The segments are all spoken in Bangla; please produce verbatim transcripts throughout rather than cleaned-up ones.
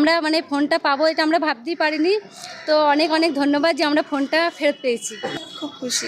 আমরা মানে ফোনটা পাবো এটা আমরা ভাবতেই পারিনি। তো অনেক অনেক ধন্যবাদ যে আমরা ফোনটা ফেরত পেয়েছি, খুব খুশি।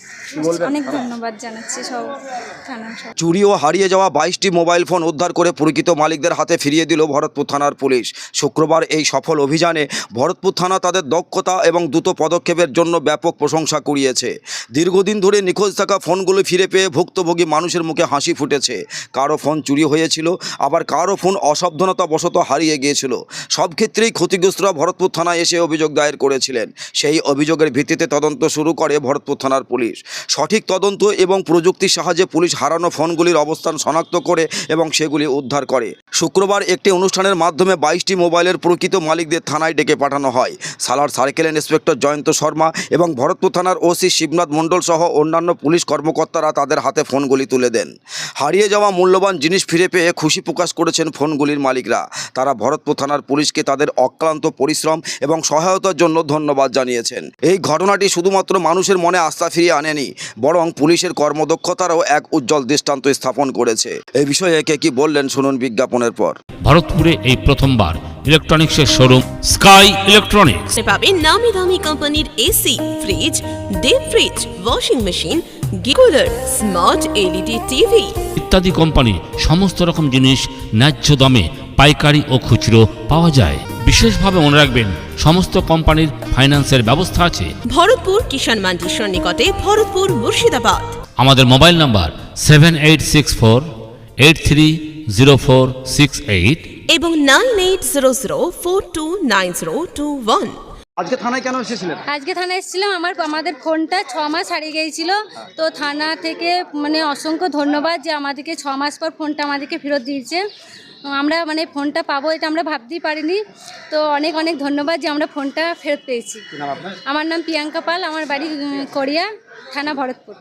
অনেক ধন্যবাদ জানাচ্ছি সব থানা সব। চুরি ও হারিয়ে যাওয়া বাইশটি মোবাইল ফোন উদ্ধার করে প্রকৃত মালিকদের হাতে ফিরিয়ে দিল ভরতপুর থানার পুলিশ। শুক্রবার এই সফল অভিযানে ভরতপুর থানা তাদের দক্ষতা এবং দ্রুত পদক্ষেপের জন্য ব্যাপক প্রশংসা কুড়িয়েছে। দীর্ঘদিন ধরে নিখোঁজ থাকা ফোনগুলো ফিরে পেয়ে ভুক্তভোগী মানুষের মুখে হাসি ফুটেছে। কারো ফোন চুরি হয়েছিল, আবার কারো ফোন অসাবধানতাবশত হারিয়ে গিয়েছিল। সব ক্ষেত্রেই ক্ষতিগ্রস্তরা ভরতপুর থানায় এসে অভিযোগ দায়ের করেছিলেন। সেই অভিযোগের ভিত্তিতে তদন্ত শুরু করে ভরতপুর থানার পুলিশ। সঠিক তদন্ত এবং প্রযুক্তির সাহায্যে পুলিশ হারানো ফোনগুলির অবস্থান শনাক্ত করে এবং সেগুলি উদ্ধার করে। শুক্রবার একটি অনুষ্ঠানের মাধ্যমে বাইশটি মোবাইলের প্রকৃত মালিকদের থানায় ডেকে পাঠানো হয়। সালার সার্কেল ইন্সপেক্টর জয়ন্ত শর্মা এবং ভরতপুর থানার ওসি শিবনাথ মণ্ডল সহ অন্যান্য পুলিশ কর্মকর্তারা তাদের হাতে ফোনগুলি তুলে দেন। হারিয়ে যাওয়া মূল্যবান জিনিস ফিরে পেয়ে খুশি প্রকাশ করেছেন ফোনগুলির মালিকরা। তারা ভরতপুর থানার পুলিশকে তাদের অক্লান্ত পরিশ্রম এবং সহায়তার জন্য ধন্যবাদ জানিয়েছেন। এই ঘটনাটি শুধুমাত্র মানুষের মনে আস্থা ফিরিয়ে আনেনি, বরং পুলিশের কর্মদক্ষতারও এক উজ্জ্বল দৃষ্টান্ত স্থাপন করেছে। এই বিষয়ে কে কি বললেন শুনুন বিজ্ঞাপনের পর। ভরতপুরে এই প্রথমবার ইলেকট্রনিক্সের শোরুম স্কাই ইলেকট্রনিক্স পাবেন নামি দামি কোম্পানির AC, fridge, deep fridge, washing machine, cooler, smart LED TV ইত্যাদি কোম্পানি সমস্ত রকম জিনিস ন্যায্য দামে পাইকারি ও খুচরো পাওয়া যায়। বিশেষভাবে মনে রাখবেন সমস্ত কোম্পানির ফাইন্যান্সের ব্যবস্থা আছে। ভরতপুর কিষাণ মান্ডির নিকটে, ভরতপুর মুর্শিদাবাদ। আমাদের mobile number seven eight six four eight three zero four six eight এবং nine eight zero zero four two nine zero two one. আজকে থানায় কেন এসেছিলেন? আজকে থানায় এসেছিলাম, আমার আমাদের ফোনটা ছ মাস হারিয়ে গিয়েছিল। তো থানা থেকে মানে অসংখ্য ধন্যবাদ যে আমাদেরকে ছ মাস পর ফোনটা আমাদেরকে ফেরত দিয়েছে। আমরা মানে ফোনটা পাবো এটা আমরা ভাবতেই পারিনি। তো অনেক অনেক ধন্যবাদ যে আমরা ফোনটা ফেরত পেয়েছি। আমার নাম প্রিয়াঙ্কা পাল, আমার বাড়ি কড়িয়া, থানা ভরতপুর।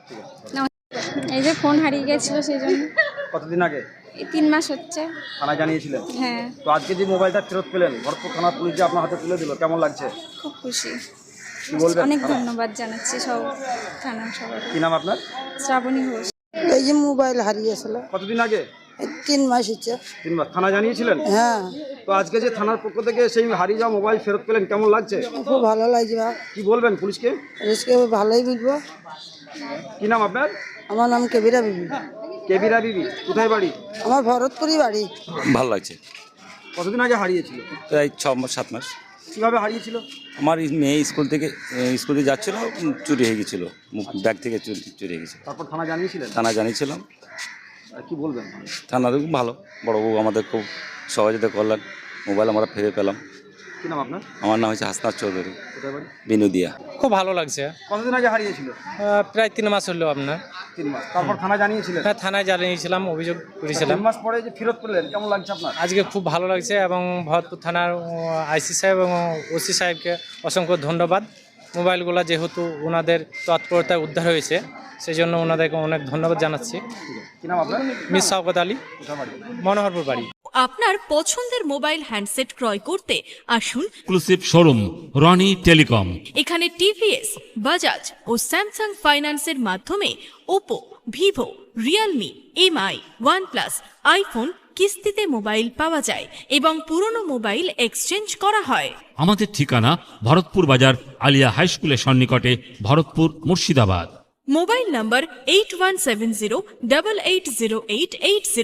এই যে ফোন হারিয়ে গেছিল সেই জন্য। কতদিন আগে? তিন মাস হচ্ছে। থানায় জানিয়েছিলেন? হ্যাঁ। তো আজকে যে মোবাইলটা ফেরত পেলেন, ভরতপুর থানার পুলিশ যে আপনার হাতে তুলে দিল, কেমন লাগছে? খুব খুশি। কি বলবেন? অনেক ধন্যবাদ জানাচ্ছি সব থানা সবাই। কি নাম আপনার? শ্রাবণী ঘোষ। এই যে মোবাইল হারিয়েছিল কতদিন আগে? এই তিন মাস হচ্ছে। তিন মাস। থানা জানিয়েছিলেন? হ্যাঁ। তো আজকে যে থানার পক্ষ থেকে সেই হারিয়ে যাওয়া মোবাইল ফেরত পেলেন, কেমন লাগছে? খুব ভালো লাগছে বা। কি বলবেন পুলিশকে? পুলিশকে ভালোই বলবো। কি নাম আপনার? আমার নাম কেবিরা বিবি। কেবিরা বিবি, কোথায় বাড়ি? আমার ভরতপুরই বাড়ি। ভালো লাগছে। কতদিন আগে হারিয়েছিল? প্রায় ছ মাস সাত মাস। কিভাবে হারিয়েছিল? আমার মেয়ে স্কুল থেকে স্কুলে যাচ্ছিল, চুরি হয়ে গেছিলো, ব্যাগ থেকে চুরি চুরি হয়ে গেছিলো। তারপর থানা জানিয়েছিলেন? থানা জানিয়েছিলাম। আর কি বলবেন? থানা খুব ভালো, বড়বাবু আমাদের খুব সহযোগিতা করলেন, মোবাইল আমরা ফিরে পেলাম। কি নাম আপনার? আমার নাম হচ্ছে হাসনাত চৌধুরী, কোথায় বাড়ি? বিনোদিয়া। খুব ভালো লাগছে। কতদিন আগে হারিয়েছিল? আহ, প্রায় তিন মাস হলো আপনার। তিন মাস। তারপর থানা জানিয়েছিলেন? হ্যাঁ, থানায় জানিয়েছিলাম, অভিযোগ করেছিলাম। তিন মাস পরে যে ফেরত পেলেন, কেমন লাগছে আপনার? আজকে খুব ভালো লাগছে এবং ভরতপুর থানার আইসি সাহেব এবং ওসি সাহেবকে অসংখ্য ধন্যবাদ। মোবাইলগুলো যেহেতু ওনাদের তৎপরতায় উদ্ধার হয়েছে, সেই জন্য ওনাদেরকে অনেক ধন্যবাদ জানাচ্ছি। কি নাম আপনার? মিস শওকত আলী, মনোহরপুর বাড়ি। আপনার পছন্দের মোবাইল হ্যান্ডসেট ক্রয় করতে আসুন এক্সক্লুসিভ শোরুম রনি টেলিকম। এখানে টিভিএস, বাজাজ ও স্যামসাং ফাইন্যান্সের মাধ্যমে Oppo, Vivo, Realme, Mi, OnePlus, iPhone কিস্তিতে মোবাইল পাওয়া যায় এবং পুরনো মোবাইল এক্সচেঞ্জ করা হয়। আমাদের ঠিকানা ভরতপুর বাজার আলিয়া হাই স্কুলের সন্নিকটে, Bharatpur Murshidabad. Mobile number eight one seven zero double eight zero eight eight zero.